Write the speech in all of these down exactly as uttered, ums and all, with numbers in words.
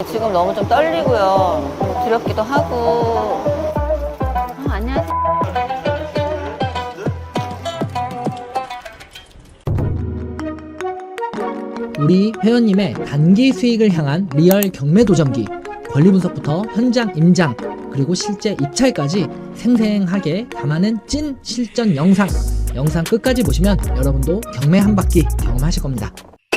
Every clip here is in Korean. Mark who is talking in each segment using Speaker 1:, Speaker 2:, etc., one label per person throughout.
Speaker 1: 지금 너무 좀 떨리고요. 좀 두렵기도 하고. 아, 안녕하세요.
Speaker 2: 우리 회원님의 단기 수익을 향한 리얼 경매 도전기, 권리 분석부터 현장 임장, 그리고 실제 입찰까지 생생하게 담아낸 찐 실전 영상, 영상 끝까지 보시면 여러분도 경매 한 바퀴 경험하실 겁니다.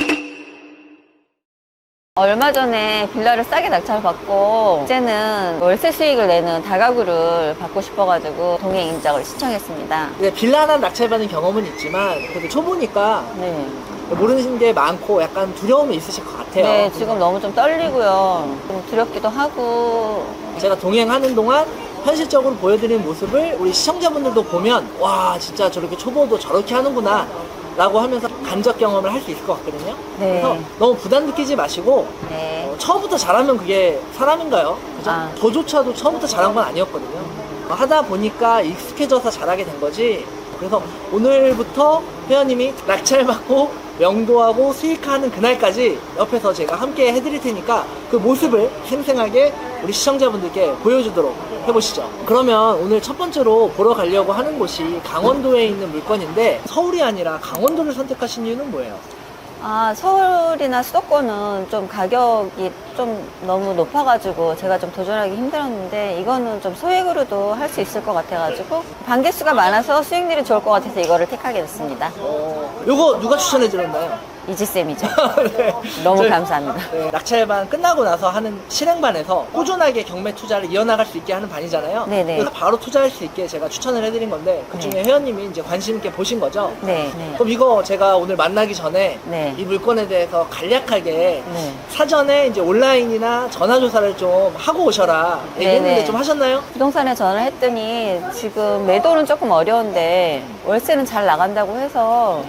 Speaker 1: 얼마 전에 빌라를 싸게 낙찰받고 이제는 월세 수익을 내는 다가구를 받고 싶어가지고 동행 임장을 신청했습니다.
Speaker 3: 네, 빌라 하나 낙찰받은 경험은 있지만 그래도 초보니까
Speaker 1: 네.
Speaker 3: 모르는 게 많고 약간 두려움이 있으실 것 같아요.
Speaker 1: 네, 지금 너무 좀 떨리고요. 좀 두렵기도 하고.
Speaker 3: 제가 동행하는 동안 현실적으로 보여드리는 모습을 우리 시청자분들도 보면 와 진짜 저렇게 초보도 저렇게 하는구나 라고 하면서 간접 경험을 할 수 있을 것 같거든요.
Speaker 1: 네.
Speaker 3: 그래서 너무 부담 느끼지 마시고
Speaker 1: 네.
Speaker 3: 어, 처음부터 잘하면 그게 사람인가요? 그죠?
Speaker 1: 아.
Speaker 3: 저조차도 처음부터 잘한 건 아니었거든요. 어, 하다 보니까 익숙해져서 잘하게 된 거지. 그래서 오늘부터 회원님이 낙찰받고 명도하고 수익하는 그날까지 옆에서 제가 함께 해드릴 테니까 그 모습을 생생하게 우리 시청자분들께 보여주도록 해보시죠. 그러면 오늘 첫 번째로 보러 가려고 하는 곳이 강원도에 있는 물건인데 서울이 아니라 강원도를 선택하신 이유는 뭐예요?
Speaker 1: 아, 서울이나 수도권은 좀 가격이 좀 너무 높아가지고 제가 좀 도전하기 힘들었는데 이거는 좀 소액으로도 할 수 있을 것 같아가지고 반개수가 많아서 수익률이 좋을 것 같아서 이거를 택하게 됐습니다.
Speaker 3: 어, 요거 누가 추천해 드렸나요?
Speaker 1: 이지쌤이죠.
Speaker 3: 네.
Speaker 1: 너무
Speaker 3: 저희-
Speaker 1: 감사합니다.
Speaker 3: 네, 낙찰반 끝나고 나서 하는 실행반에서 꾸준하게 경매 투자를 이어나갈 수 있게 하는 반이잖아요.
Speaker 1: 네네.
Speaker 3: 그래서 바로 투자할 수 있게 제가 추천을 해드린 건데 그 중에
Speaker 1: 네.
Speaker 3: 회원님이 이제 관심 있게 보신 거죠.
Speaker 1: 네. 네.
Speaker 3: 그럼 이거 제가 오늘 만나기 전에
Speaker 1: 네.
Speaker 3: 이 물건에 대해서 간략하게
Speaker 1: 네.
Speaker 3: 사전에 이제 온라인이나 전화 조사를 좀 하고 오셔라 얘기했는데
Speaker 1: 네네.
Speaker 3: 좀 하셨나요?
Speaker 1: 부동산에 전화를 했더니 지금 매도는 조금 어려운데 월세는 잘 나간다고 해서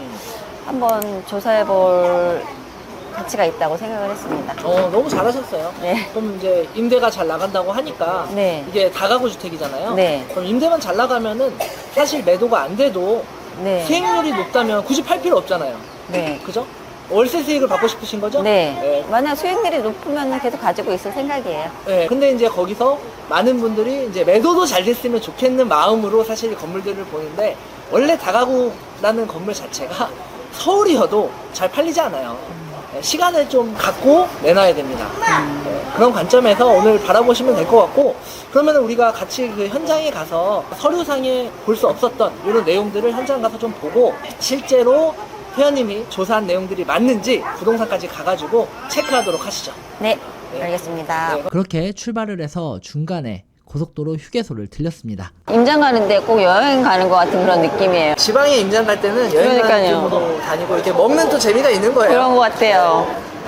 Speaker 1: 한번 조사해 볼 가치가 있다고 생각을 했습니다.
Speaker 3: 어 너무 잘하셨어요.
Speaker 1: 네.
Speaker 3: 그럼 이제 임대가 잘 나간다고 하니까
Speaker 1: 네.
Speaker 3: 이게 다가구 주택이잖아요.
Speaker 1: 네.
Speaker 3: 그럼 임대만 잘 나가면은 사실 매도가 안 돼도
Speaker 1: 네.
Speaker 3: 수익률이 높다면 굳이 팔 필요 없잖아요.
Speaker 1: 네.
Speaker 3: 그죠? 월세 수익을 받고 싶으신 거죠?
Speaker 1: 네.
Speaker 3: 네.
Speaker 1: 만약 수익률이 높으면 계속 가지고 있을 생각이에요.
Speaker 3: 네. 근데 이제 거기서 많은 분들이 이제 매도도 잘 됐으면 좋겠는 마음으로 사실 이 건물들을 보는데 원래 다가구라는 건물 자체가 서울이어도 잘 팔리지 않아요. 네, 시간을 좀 갖고 내놔야 됩니다. 네, 그런 관점에서 오늘 바라보시면 될 것 같고 그러면 우리가 같이 그 현장에 가서 서류상에 볼 수 없었던 이런 내용들을 현장 가서 좀 보고 실제로 회원님이 조사한 내용들이 맞는지 부동산까지 가가지고 체크하도록 하시죠.
Speaker 1: 네.
Speaker 3: 네.
Speaker 1: 알겠습니다.
Speaker 3: 네.
Speaker 2: 그렇게 출발을 해서 중간에 고속도로 휴게소를 들렸습니다.
Speaker 1: 임장 가는데 꼭 여행 가는 것 같은 그런 느낌이에요.
Speaker 3: 지방에 임장 갈 때는 여행 가는
Speaker 1: 그러니까요.
Speaker 3: 느낌으로 다니고 이렇게 먹는 또 재미가 있는 거예요.
Speaker 1: 그런 것 같아요.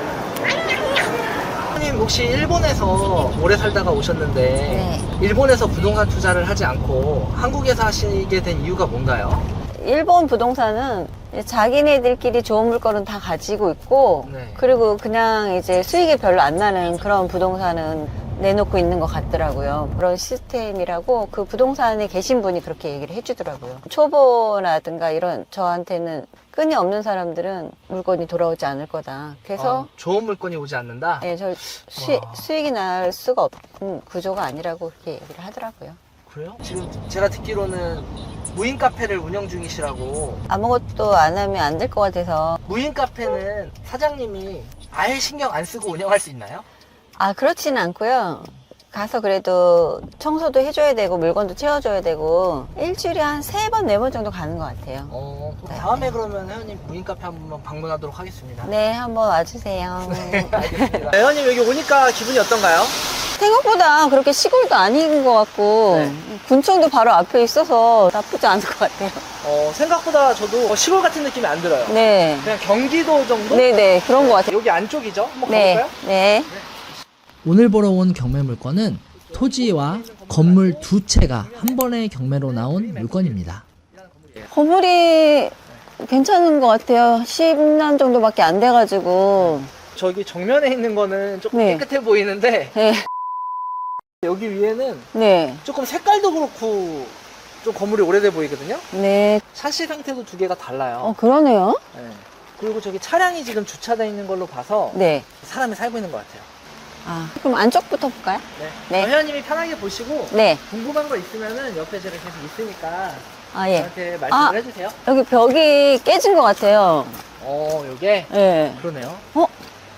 Speaker 3: 회원님 혹시 일본에서 오래 살다가 오셨는데
Speaker 1: 네.
Speaker 3: 일본에서 부동산 투자를 하지 않고 한국에서 하시게 된 이유가 뭔가요?
Speaker 1: 일본 부동산은 자기네들끼리 좋은 물건은 다 가지고 있고
Speaker 3: 네.
Speaker 1: 그리고 그냥 이제 수익이 별로 안 나는 그런 부동산은 내놓고 있는 것 같더라고요. 그런 시스템이라고 그 부동산에 계신 분이 그렇게 얘기를 해주더라고요. 초보라든가 이런 저한테는 끈이 없는 사람들은 물건이 돌아오지 않을 거다. 그래서
Speaker 3: 어, 좋은 물건이 오지 않는다?
Speaker 1: 예, 저 수,
Speaker 3: 와.
Speaker 1: 수익이 날 수가 없는 구조가 아니라고 그렇게 얘기를 하더라고요.
Speaker 3: 그래요? 지금 제가 듣기로는 무인 카페를 운영 중이시라고.
Speaker 1: 아무것도 안 하면 안 될 것 같아서.
Speaker 3: 무인 카페는 사장님이 아예 신경 안 쓰고 운영할 수 있나요?
Speaker 1: 아, 그렇지는 않고요. 가서 그래도 청소도 해줘야 되고 물건도 채워줘야 되고 일주일에 한 세 번, 네 번 정도 가는 것 같아요.
Speaker 3: 어,
Speaker 1: 네.
Speaker 3: 다음에 그러면 회원님 무인 카페 한번 방문하도록 하겠습니다.
Speaker 1: 네, 한번 와주세요.
Speaker 3: 알겠습니다. 네, 회원님 여기 오니까 기분이 어떤가요?
Speaker 1: 생각보다 그렇게 시골도 아닌 것 같고
Speaker 3: 네.
Speaker 1: 군청도 바로 앞에 있어서 나쁘지 않을 것 같아요.
Speaker 3: 어, 생각보다 저도 시골 같은 느낌이 안 들어요.
Speaker 1: 네.
Speaker 3: 그냥 경기도 정도?
Speaker 1: 네네, 그런 것 같아요.
Speaker 3: 여기 안쪽이죠? 한번
Speaker 1: 네.
Speaker 3: 가볼까요?
Speaker 1: 네.
Speaker 2: 오늘 보러 온 경매 물건은 토지와 건물 두 채가 한 번에 경매로 나온 물건입니다.
Speaker 1: 건물이 괜찮은 것 같아요. 십 년 정도밖에 안 돼가지고.
Speaker 3: 저기 정면에 있는 거는 조금
Speaker 1: 네.
Speaker 3: 깨끗해 보이는데
Speaker 1: 네.
Speaker 3: 여기 위에는
Speaker 1: 네.
Speaker 3: 조금 색깔도 그렇고 좀 건물이 오래돼 보이거든요.
Speaker 1: 네.
Speaker 3: 샤시 상태도 두 개가 달라요.
Speaker 1: 어, 그러네요.
Speaker 3: 네. 그리고 저기 차량이 지금 주차되어 있는 걸로 봐서
Speaker 1: 네.
Speaker 3: 사람이 살고 있는 것 같아요.
Speaker 1: 아, 그럼 안쪽부터 볼까요?
Speaker 3: 네.
Speaker 1: 네.
Speaker 3: 회원님이 편하게 보시고
Speaker 1: 네.
Speaker 3: 궁금한 거 있으면은 옆에 제가 계속 있으니까
Speaker 1: 아, 예.
Speaker 3: 저한테 말씀을
Speaker 1: 아.
Speaker 3: 해주세요.
Speaker 1: 여기 벽이 깨진 것 같아요.
Speaker 3: 어, 요게
Speaker 1: 예.
Speaker 3: 그러네요.
Speaker 1: 어?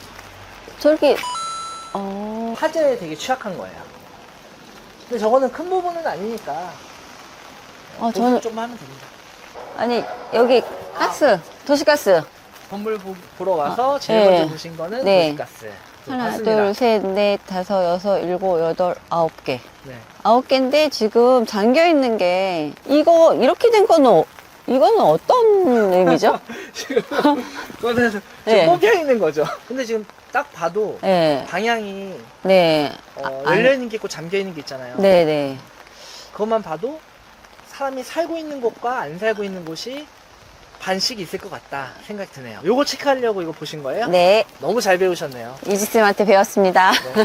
Speaker 1: 저렇게, 어.
Speaker 3: 화재에 되게 취약한 거예요. 근데 저거는 큰 부분은 아니니까
Speaker 1: 어,
Speaker 3: 보수
Speaker 1: 저는,
Speaker 3: 좀 하면 됩니다.
Speaker 1: 아니, 여기 가스, 도시가스.
Speaker 3: 건물 보, 보러 와서 제일
Speaker 1: 네.
Speaker 3: 먼저 보신 거는
Speaker 1: 네.
Speaker 3: 도시가스.
Speaker 1: 하나,
Speaker 3: 맞습니다.
Speaker 1: 둘, 셋, 넷, 다섯, 여섯, 일곱, 여덟, 아홉 개.
Speaker 3: 네.
Speaker 1: 아홉 개인데 지금 잠겨 있는 게, 이거, 이렇게 된 거는, 어- 이거는 어떤 의미죠?
Speaker 3: 지금 그거는 지금
Speaker 1: 네.
Speaker 3: 꼽혀 있는 거죠. 근데 지금 딱 봐도
Speaker 1: 네.
Speaker 3: 방향이
Speaker 1: 네.
Speaker 3: 어,
Speaker 1: 아,
Speaker 3: 열려 있는 게 있고 잠겨 있는 게 있잖아요.
Speaker 1: 네, 네.
Speaker 3: 그것만 봐도 사람이 살고 있는 곳과 안 살고 있는 곳이 반씩 있을 것 같다 생각이 드네요. 요거 체크하려고 이거 보신 거예요?
Speaker 1: 네.
Speaker 3: 너무 잘 배우셨네요.
Speaker 1: 이지쌤한테 배웠습니다.
Speaker 3: 네.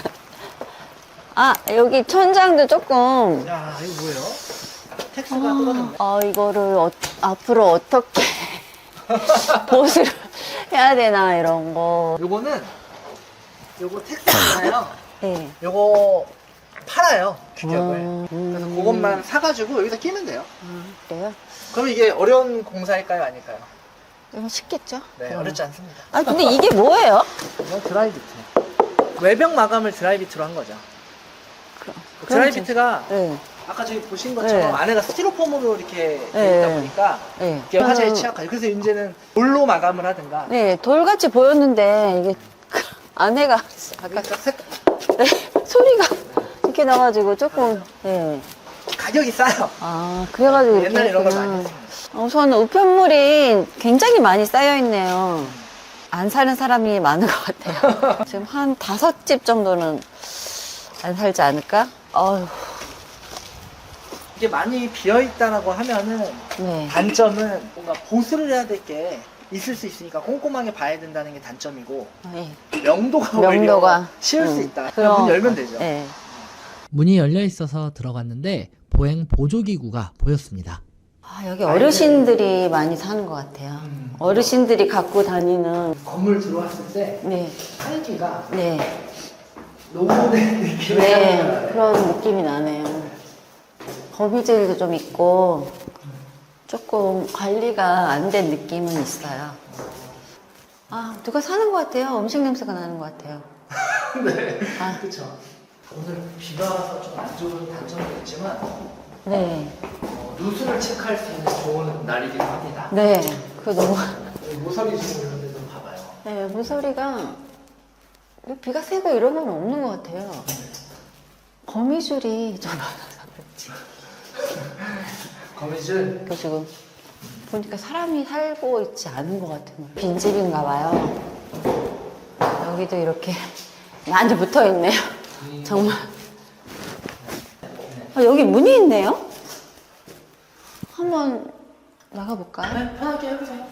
Speaker 1: 아, 여기 천장도 조금,
Speaker 3: 야, 이거 뭐예요? 텍스가 떨어졌네.
Speaker 1: 아, 이거를 어- 앞으로 어떻게 보수를 해야 되나, 이런 거.
Speaker 3: 요거는 요거 텍스잖아요.
Speaker 1: 네.
Speaker 3: 요거 팔아요, 규격을.
Speaker 1: 음,
Speaker 3: 그래서 그것만 사가지고 여기다 끼면 돼요.
Speaker 1: 그래요?
Speaker 3: 그럼 이게 어려운 공사일까요, 아닐까요?
Speaker 1: 이건 쉽겠죠?
Speaker 3: 네,
Speaker 1: 그럼.
Speaker 3: 어렵지 않습니다.
Speaker 1: 아, 근데 이게 뭐예요?
Speaker 3: 이건 드라이비트. 외벽 마감을 드라이비트로 한 거죠.
Speaker 1: 그럼-
Speaker 3: 드라이비트가
Speaker 1: 네.
Speaker 3: 아까 저기 보신 것처럼
Speaker 1: 네.
Speaker 3: 안에가 스티로폼으로 이렇게
Speaker 1: 네.
Speaker 3: 돼 있다 보니까
Speaker 1: 네.
Speaker 3: 이게 화재에
Speaker 1: 저는-
Speaker 3: 취약하죠. 그래서 이제는 돌로 마감을 하든가.
Speaker 1: 네, 돌같이 보였는데, 이게, 안에가, 아까,
Speaker 3: 그러니까 색-
Speaker 1: 네, 소리가 이렇게 나가지고 조금, 네.
Speaker 3: 가격이 싸요.
Speaker 1: 아, 그래가지고 이렇게
Speaker 3: 옛날에 이런 걸
Speaker 1: 했구나.
Speaker 3: 많이 했습니다.
Speaker 1: 우선 우편물이 굉장히 많이 쌓여있네요. 안 사는 사람이 많은 것 같아요. 지금 한 다섯 집 정도는 안 살지 않을까? 어휴,
Speaker 3: 이게 많이 비어 있다라고 하면은
Speaker 1: 네.
Speaker 3: 단점은 뭔가 보수를 해야 될 게 있을 수 있으니까 꼼꼼하게 봐야 된다는 게 단점이고
Speaker 1: 네.
Speaker 3: 명도가,
Speaker 1: 명도가.
Speaker 3: 오히려 쉬울 수
Speaker 1: 음,
Speaker 3: 있다.
Speaker 1: 그럼-
Speaker 3: 문 열면 되죠.
Speaker 1: 네.
Speaker 2: 문이 열려 있어서 들어갔는데 보행 보조기구가 보였습니다.
Speaker 1: 아, 여기 어르신들이 많이 사는 것 같아요.
Speaker 3: 음.
Speaker 1: 어르신들이 갖고 다니는,
Speaker 3: 건물 들어왔을 때
Speaker 1: 네,
Speaker 3: 살기가
Speaker 1: 네,
Speaker 3: 노후된 느낌이
Speaker 1: 네,
Speaker 3: 나요.
Speaker 1: 그런 느낌이 나네요. 거미줄도 좀 있고, 조금 관리가 안 된 느낌은 있어요. 아, 누가 사는 것 같아요. 음식 냄새가 나는 것 같아요.
Speaker 3: 네,
Speaker 1: 아,
Speaker 3: 그렇죠. 오늘 비가 와서 좀 안 좋은 단점도 있지만
Speaker 1: 네,
Speaker 3: 어, 누수를 체크할 수 있는 좋은 날이기도 합니다.
Speaker 1: 네, 그거 너무,
Speaker 3: 여기 모서리 지금 이런 데 좀 봐봐요.
Speaker 1: 네, 모서리가, 비가 새고 이런 건 없는 것 같아요. 거미줄이 좀 많아서 그렇지.
Speaker 3: 거미줄.
Speaker 1: 그 지금 보니까 사람이 살고 있지 않은 것 같은 거예요. 빈집인가 봐요. 여기도 이렇게 많이 붙어 있네요. 정말. 아, 여기 문이 있네요? 한번 나가볼까요?
Speaker 3: 네, 편하게 해보세요.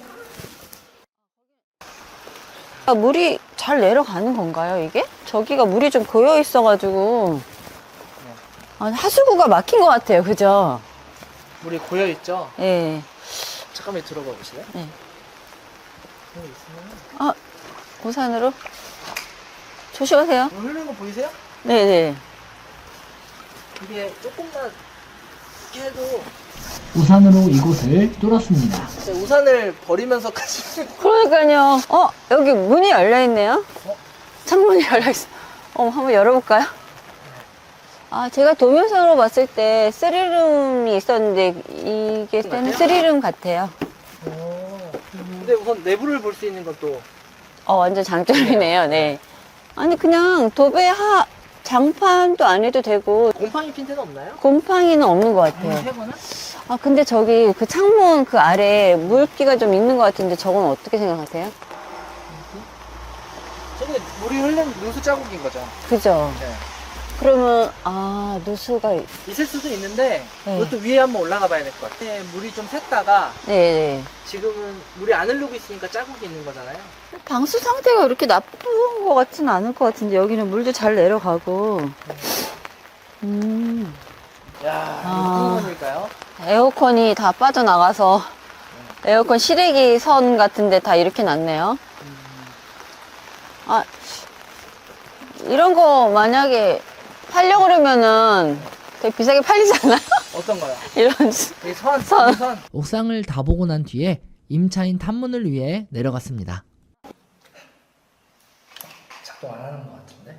Speaker 1: 아, 물이 잘 내려가는 건가요, 이게? 저기가 물이 좀 고여 있어가지고. 아, 하수구가 막힌 것 같아요, 그죠?
Speaker 3: 물이 고여 있죠.
Speaker 1: 예.
Speaker 3: 잠깐만 들어가 보실래요?
Speaker 1: 네.
Speaker 3: 여기 있으면
Speaker 1: 아, 우산으로? 조심하세요.
Speaker 3: 물 흐르는 거 보이세요?
Speaker 1: 네네.
Speaker 3: 이게 조금만 이렇게 해도
Speaker 2: 우산으로 이곳을 뚫었습니다.
Speaker 3: 이제 우산을 버리면서까지
Speaker 1: 그러니까요. 어, 여기 문이 열려있네요.
Speaker 3: 어?
Speaker 1: 창문이 열려있어. 어, 한번 열어볼까요? 아, 제가 도면상으로 봤을 때 쓰리룸이 있었는데, 이게 때는
Speaker 3: 같아요?
Speaker 1: 쓰리룸 같아요.
Speaker 3: 오. 근데 우선 내부를 볼 수 있는 건 또
Speaker 1: 어, 완전 장점이네요, 네. 아니, 그냥 도배 하, 장판도 안 해도 되고,
Speaker 3: 곰팡이 핀 데는 없나요?
Speaker 1: 곰팡이는 없는 것
Speaker 3: 음,
Speaker 1: 같아요.
Speaker 3: 해보나?
Speaker 1: 아, 근데 저기 그 창문 그 아래 물기가 좀 있는 것 같은데, 저건 어떻게 생각하세요?
Speaker 3: 저게 물이 흐른 누수 자국인 거죠.
Speaker 1: 그죠?
Speaker 3: 네.
Speaker 1: 그러면, 아, 누수가,
Speaker 3: 있을 수도 있는데
Speaker 1: 네.
Speaker 3: 이것도 위에 한번 올라가 봐야 될 것 같아요. 물이 좀 샜다가
Speaker 1: 네네.
Speaker 3: 지금은 물이 안 흐르고 있으니까 자국이 있는 거잖아요.
Speaker 1: 방수 상태가 그렇게 나쁜 것 같지는 않을 것 같은데, 여기는 물도 잘 내려가고. 음,
Speaker 3: 야,
Speaker 1: 아.
Speaker 3: 이거 무슨 건일까요?
Speaker 1: 에어컨이 다 빠져나가서, 에어컨 실외기 선 같은데 다 이렇게 놨네요. 아, 이런 거 만약에 팔려고 그러면은 되게 비싸게 팔리잖아요?
Speaker 3: 어떤 거요?
Speaker 1: 이런.
Speaker 3: 이 선,
Speaker 1: 선.
Speaker 3: 선, 선.
Speaker 2: 옥상을 다 보고 난 뒤에 임차인 탐문을 위해 내려갔습니다.
Speaker 3: 작동 안 하는 것 같은데?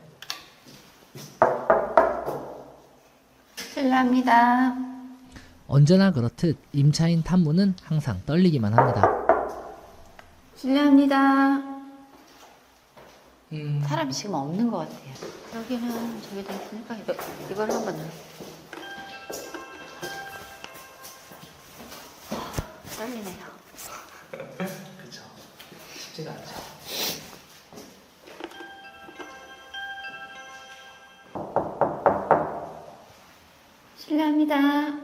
Speaker 1: 실례합니다.
Speaker 2: 언제나 그렇듯 임차인 탐문은 항상 떨리기만 합니다.
Speaker 1: 실례합니다.
Speaker 3: 음.
Speaker 1: 사람이 지금 없는 것 같아요. 여기는 저기다 있으니까 이거, 이걸 한번 넣어. 떨리네요.
Speaker 3: 그쵸. 쉽지가 않죠.
Speaker 1: 실례합니다.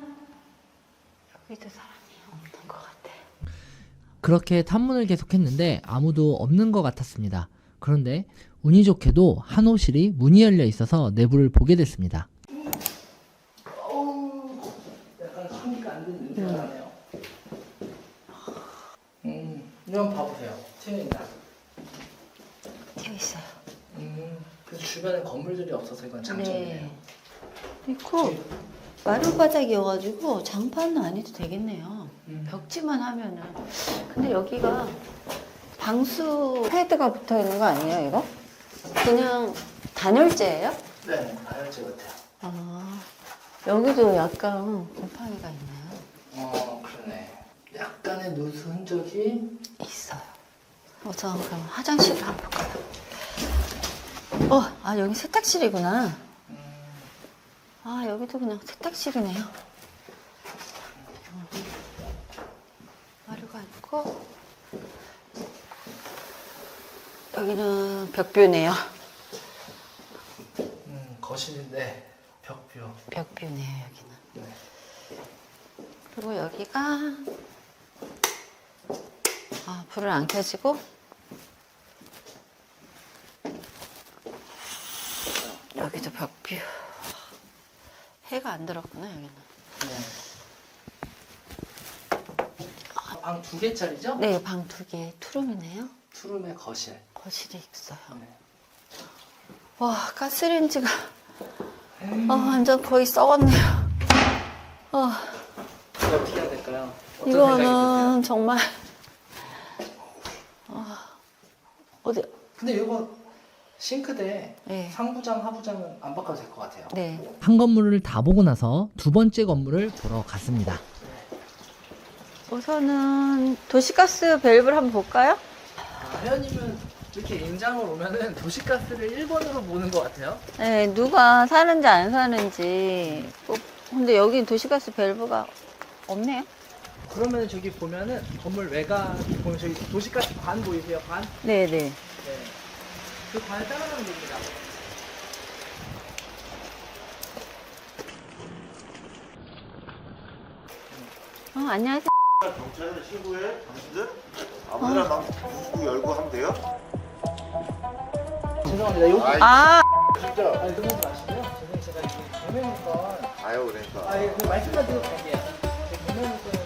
Speaker 1: 여기도 사람이 없는 것 같아.
Speaker 2: 그렇게 탐문을 계속했는데 아무도 없는 것 같았습니다. 그런데 운이 좋게도 한 호실이 문이 열려 있어서 내부를 보게 됐습니다.
Speaker 3: 약간 환기가 안 되는 냄새가 나네요. 음, 이건 봐보세요. 트여있나?
Speaker 1: 되어 있어요.
Speaker 3: 음, 그래서 주변에 건물들이 없어서 이건 장점이네요.
Speaker 1: 그리고 마루 바닥이어가지고 장판은 안 해도 되겠네요.
Speaker 3: 음.
Speaker 1: 벽지만 하면은. 근데 여기가 방수 패드가 붙어 있는 거 아니에요, 이거? 그냥 단열재예요?
Speaker 3: 네, 다혈질 같아요.
Speaker 1: 아, 여기도 약간 곰팡이가 있네요.
Speaker 3: 어, 그러네. 약간의 누수 흔적이
Speaker 1: 있어요. 우선 그럼 화장실을 한번 볼까요? 어, 아 여기 세탁실이구나. 아 여기도 그냥 세탁실이네요. 마루가 있고 여기는 벽뷰네요.
Speaker 3: 음, 거실인데 벽뷰.
Speaker 1: 벽뷰네요 여기는.
Speaker 3: 네.
Speaker 1: 그리고 여기가 아 불을 안 켜지고 여기도 벽뷰. 해가 안 들었구나 여기는.
Speaker 3: 네. 방 두 개짜리죠?
Speaker 1: 네, 방 두 개 투룸이네요.
Speaker 3: 투룸의 거실.
Speaker 1: 거실이 있어요.
Speaker 3: 네.
Speaker 1: 와, 가스레인지가 아, 완전 거의 썩었네요. 어,
Speaker 3: 이거 어떻게 해야 될까요? 어떤 생각이
Speaker 1: 이거는 정말 어, 어디?
Speaker 3: 근데 이거 싱크대
Speaker 1: 네.
Speaker 3: 상부장 하부장은 안 바꿔도 될 것 같아요.
Speaker 1: 네.
Speaker 2: 한 건물을 다 보고 나서 두 번째 건물을 보러 갔습니다.
Speaker 1: 우선은 도시가스 밸브를 한번 볼까요?
Speaker 3: 아, 회원님은 이렇게 임장을 오면은 도시가스를 일 번으로 보는 것 같아요.
Speaker 1: 네, 누가 사는지 안 사는지. 꼭- 근데 여기 도시가스 밸브가 없네요.
Speaker 3: 그러면 저기 보면은 건물 외곽 보면 저기 도시가스 관 보이세요? 관?
Speaker 1: 네, 네.
Speaker 3: 네. 그 관을 따라가면 됩니다.
Speaker 1: 어, 안녕하세요.
Speaker 4: 경찰에 신고해? 당신들? 아무데나 막 문구 열고 하면 돼요?
Speaker 3: 죄송합니다. 요
Speaker 1: 아,
Speaker 4: 진짜?
Speaker 3: 아니 그러지 마시고요. 죄송해요. 제가 이게 개매니까
Speaker 4: 아유 그러니까
Speaker 3: 아, 예, 그 말씀만 드리고 갈게요. 개매니까